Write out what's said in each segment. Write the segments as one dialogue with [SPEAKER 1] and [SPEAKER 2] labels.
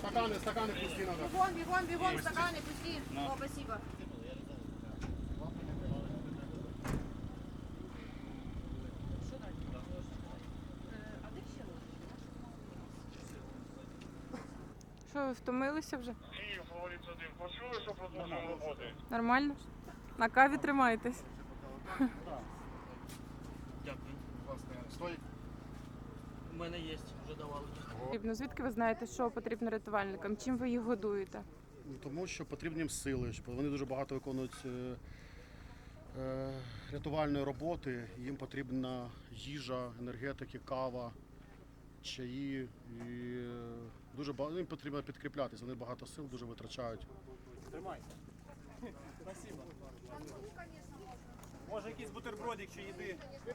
[SPEAKER 1] Стаканы пусти надо.
[SPEAKER 2] Бегом, стаканы пусти. О, спасибо.
[SPEAKER 3] Що, ви втомилися вже?
[SPEAKER 4] Київ, говорить один. Почули, що продовжуємо роботи?
[SPEAKER 3] Нормально? На каві тримаєтесь?
[SPEAKER 5] Дякую.
[SPEAKER 1] Стой.
[SPEAKER 5] У мене є, вже давали.
[SPEAKER 3] Потрібно. Звідки ви знаєте, що потрібно рятувальникам? Чим ви їх годуєте?
[SPEAKER 1] Тому що потрібні їм сили, щоб вони дуже багато виконують рятувальної роботи. Їм потрібна їжа, енергетики, кава, чаї. І дуже багато їм потрібно підкріплятися. Вони багато сил дуже витрачають.
[SPEAKER 6] Тримай. Спасибо. Може якийсь бутербродик чи їди?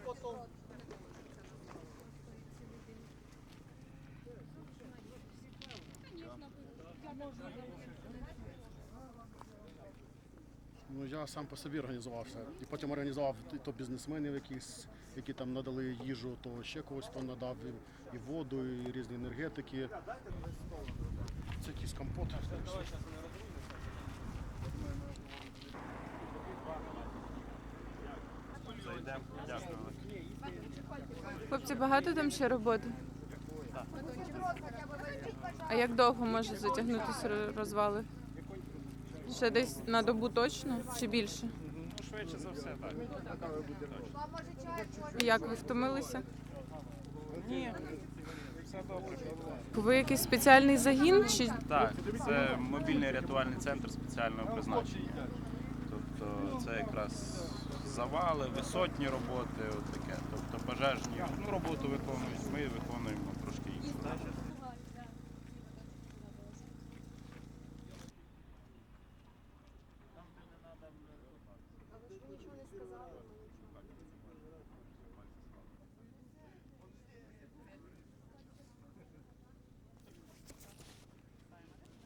[SPEAKER 1] Ну, я сам по собі організувався. І потім організував то бізнесменів якісь, які там надали їжу, то ще когось хто надав і воду, і різні енергетики. Це якийсь компот.
[SPEAKER 6] Зайдемо. Дякую.
[SPEAKER 3] Хлопці, багато там ще роботи? А як довго може затягнутися розвали? Ще десь на добу точно чи більше?
[SPEAKER 6] Ну, швидше за все, так.
[SPEAKER 3] І як ви втомилися?
[SPEAKER 6] Ні, все добре.
[SPEAKER 3] Ви якийсь спеціальний загін? Чи
[SPEAKER 6] Так, це мобільний рятувальний центр спеціального призначення. Тобто це якраз завали, висотні роботи, от таке. Тобто пожежні роботу виконують, ми виконуємо трошки іншу.
[SPEAKER 2] А ви ж нічого не сказали?